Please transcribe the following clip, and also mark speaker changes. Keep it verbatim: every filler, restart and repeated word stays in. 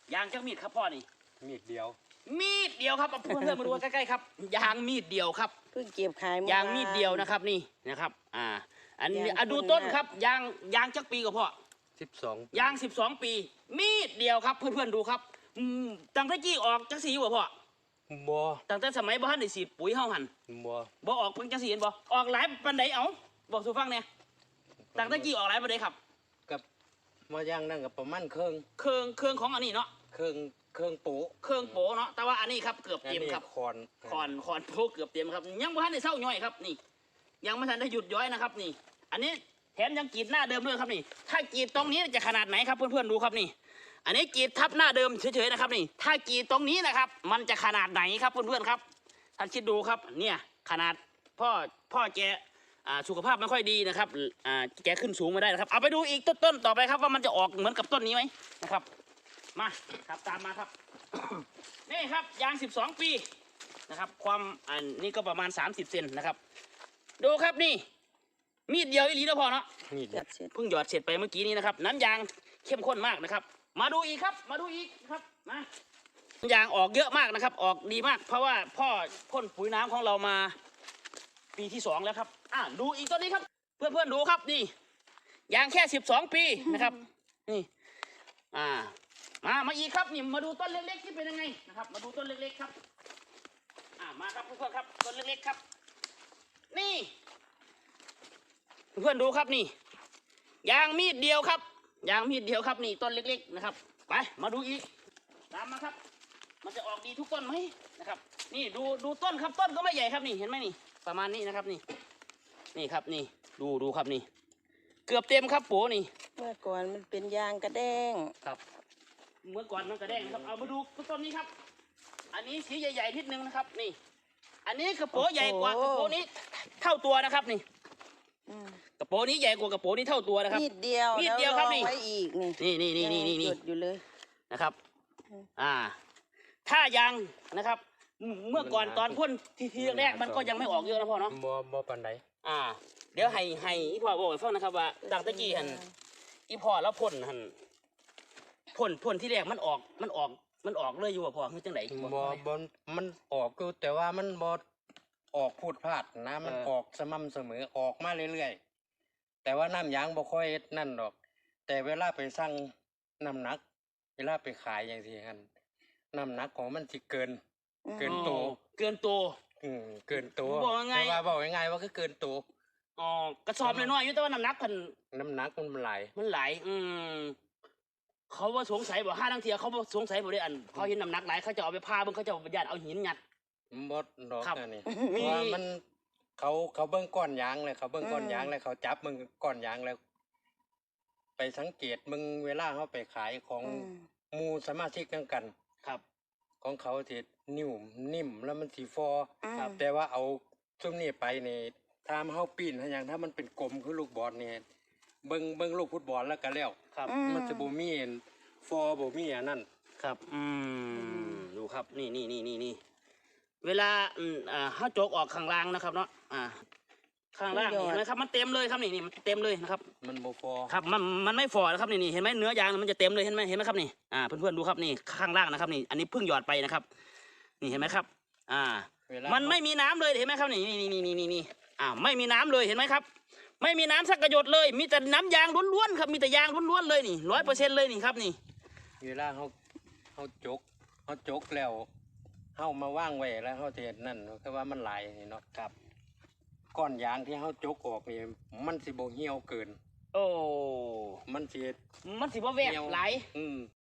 Speaker 1: ยางจักมีดครับพ่อนี่
Speaker 2: มีดเดียว
Speaker 1: มีดเดียวครับเพื่อนเพื่อนมาดูใกล้ๆครับยางมีดเดียวครับ
Speaker 3: เพิ่งเก็บขาย
Speaker 1: ยางมีดเดียวนะครับนี่นะครับอ่าอันนี้อ่ะดูต้นครับยางยางจักปีกับพ่อ
Speaker 2: สิบสอง
Speaker 1: ยางสิบสองปีมีดเดียวครับเพื่อนๆดูครับตั้งแต่กี้ออกจักสีบ่พ่อ
Speaker 2: บ่
Speaker 1: ตั้งแต่สมัยบ้านได้สีปุ๋ยเฮาหัน
Speaker 2: บ่
Speaker 1: บ่ออกเพิ่งจักสีเห็นบ่ออกหลายปันไดเอาบอกสู่ฟังเนี่ยตั้งแต่กี้ออกหลายปันไดครับ
Speaker 2: กับมาย่างนั่งกับประมาณเครื่อง
Speaker 1: เครื่องเครื่องของอันนี้เนาะ
Speaker 2: เครื่องเครื่องโป๊
Speaker 1: เครื่องโป๊เนาะแต่ว่าอันนี้ครับเกือบเต็มครับ
Speaker 2: คอน
Speaker 1: คอนคอนโป๊เกือบเต็มครับยังไม่ทันได้เศร้าย่อยครับนี่ยังไม่ทันได้หยุดย้อยนะครับนี่อันนี้แถมยังกรีดหน้าเดิมด้วยครับนี่ถ้ากรีดตรงนี้จะขนาดไหนครับเพื่อนๆดูครับนี่อันนี้กรีดทับหน้าเดิมเฉยๆนะครับนี่ถ้ากรีดตรงนี้นะครับมันจะขนาดไหนครับเพื่อนๆครับท่านคิดดูครับเนี่ยขนาดพ่อพ่อแกสุขภาพไม่ค่อยดีนะครับแกขึ้นสูงไม่ได้นะครับเอาไปดูอีกต้นๆต่อไปครับว่ามันจะออกเหมือนกับต้นนี้ไหมนะครับมาครับตามมาครับ นี่ครับยางสิบสองปีนะครับความอันนี้ก็ประมาณสามสิบเซนนะครับดูครับนี่มีดเดียวอีหลีแล้วพอเนาะ
Speaker 2: มีด
Speaker 1: เพิ่งหยอดเสร็จไปเมื่อกี้นี้นะครับน้ำยางเข้มข้นมากนะครับมาดูอีกครับมาดูอีกครับมาน้ำยางออกเยอะมากนะครับออกดีมากเพราะว่าพ่อพ่นปุ๋ยน้ำของเรามาปีที่สองแล้วครับอ่าดูอีกต้นนี้ครับเพื่อนๆดูครับนี่ยางแค่สิบสองปีนะครับนี่อ่ามามาอีกครับนี่มาดูต้นเล็กๆที่เป็นยังไงนะครับมาดูต้นเล็กๆครับอ่ามาครับเพื่อนๆครับต้นเล็กๆครับนี่เพื่อนดูครับนี่ยางมีดเดียวครับยางมีดเดียวครับนี่ต้นเล็กๆนะครับไปมาดูอีกตามมาครับมันจะออกดีทุกต้นไหมนะครับนี่ดูดูต้นครับต้นก็ไม่ใหญ่ครับนี่เห็นไหมนี่ประมาณนี้นะครับนี่นี่ครับนี่ดูดูครับนี่เกือบเต็มครับโป๋นี่
Speaker 3: เมื่อก่อนมันเป็นยางกระแดง
Speaker 1: ครับเมื่อก่อนมันกระแดงครับเอามาดูต้นนี้ครับอันนี้สีใหญ่ๆนิดนึงนะครับนี่อันนี้กระโปรงใหญ่กว่ากระโปรงนี้เท่าตัวนะครับนี่กระโปรงนี้ใหญ่กว่ากระโปรงนี้เท่าตัวนะครับ
Speaker 3: มีดเดียว
Speaker 1: มีดเดียวครับนี่
Speaker 3: ไว้อีก
Speaker 1: นี่นี่นี่นี่นี่นี่
Speaker 3: อยู่เลย
Speaker 1: นะครับอ่าถ้ายางนะครับเมื่อก่อนตอนพ่นทีทีแรกมันก็ยังไม่ออกเยอะนะพ่อเนาะ
Speaker 2: บ่บ่ปานใด
Speaker 1: อ่าเดี๋ยวให้ให้อีพ่อบอกให้ฟังนะครับว่าดังตะกี้หันอีพ่อแล้วพ่นหันพ่นพ่นที่แรกมันออกมันออกมันออกเลยอยู่ว่าพ่อคือจังไหน
Speaker 2: บ่บ่มันออกก็แต่ว่ามันบ่ออกพูดพลาดนะมันออกสม่ำเสมอออกมาเรื่อยๆแต่ว่าน้ำยางบ่ค่อยนั่นดอกแต่เวลาไปสั่งน้ำหนักเวลาไปขายอย่างที่หันน้ำหนักของมันสิเกินเกินโต
Speaker 1: เกินโต
Speaker 2: อืมเกินโตแต่ว่าบอกง่ายๆว่าก็เกินโต
Speaker 1: อ๋อกระสอบน้อยๆอยู่แต่ว่าน้ำหนักพัน
Speaker 2: น้ำหนักมันไหล
Speaker 1: มันไหลอืมเขาว่าสงสัยบอกห้าทั้งเทียเขาว่าสงสัยบอกได้อันเขาเห็นน้ำหนักไหลเขาจะเอาไปพาเบิ่งเขาจะเอาญาติเอาหินงัด
Speaker 2: บดดอกนี่เพราะว่ามันเขาเขาเบิ่งก้อนยางเลยเขาเบิ่งก้อนยางเลยเขาจับมึงก้อนยางแล้วไปสังเกตมึงเวลาเขาไปขายของมูสมาชิกกันกัน
Speaker 1: ครับ
Speaker 2: ของเขาที่นิ่มนิ่มแล้วมันสีฟอครับแต่ว่าเอาซุ้มนี่ไปนี่ถ้าเขาปีนถ้าอย่างถ้ามันเป็นกลมคือลูกบอลเนี่ยเบิ่งเบิ่งลูกฟุตบอลแล้วก็แล้ว
Speaker 1: ครับ
Speaker 2: มันจะบ่มีฟอบ่มีอันนั้น
Speaker 1: ครับอืมดูครับนี่นี่นี่นี่นี่เวลาอืมอ่าเขาโจกออกข้างล่างนะครับเนาะอ่าข้างล่างเห็นไหมครับมันเต็มเลยครับนี่นี่มันเต็มเลยนะครับ
Speaker 2: มันบ่ฟอ
Speaker 1: ครับมันมันไม่ฟอนะครับนี่นี่เห็นไหมเนื้อยางมันจะเต็มเลยเห็นไหมเห็นไหมครับนี่อ่าเพื่อนๆดูครับนี่ข้างล่างนะครับนี่อันนี้เพิ่งหยอดไปนะครับนี่เห็นไหมครับอ่ามันไม่มีน้ำเลยเห็นไหมครับนี่นี่นี่นี่นี่นี่อ่าไม่มีน้ำเลยเห็นไหมครับไม่มีน้ำสักกระหยดเลยมีแต่น้ำยางล้วนๆครับมีแต่ยางล้วนๆเลยนี่ร้อยเปอร์เซ็นต์เลยนี่ครับนี่
Speaker 2: เวลาเขาเขาจกเขาจกแล้วเขามาว่างไว้แล้วเขาเทนั่นคือว่ามันไหลเนาะ
Speaker 1: ครับ
Speaker 2: ก้อนยางที่เขาจกออกนี่มันสิบ่เหี่ยวเกิน
Speaker 1: โอ้
Speaker 2: มันสิ
Speaker 1: มันสิบ่แวกไหล
Speaker 2: อืม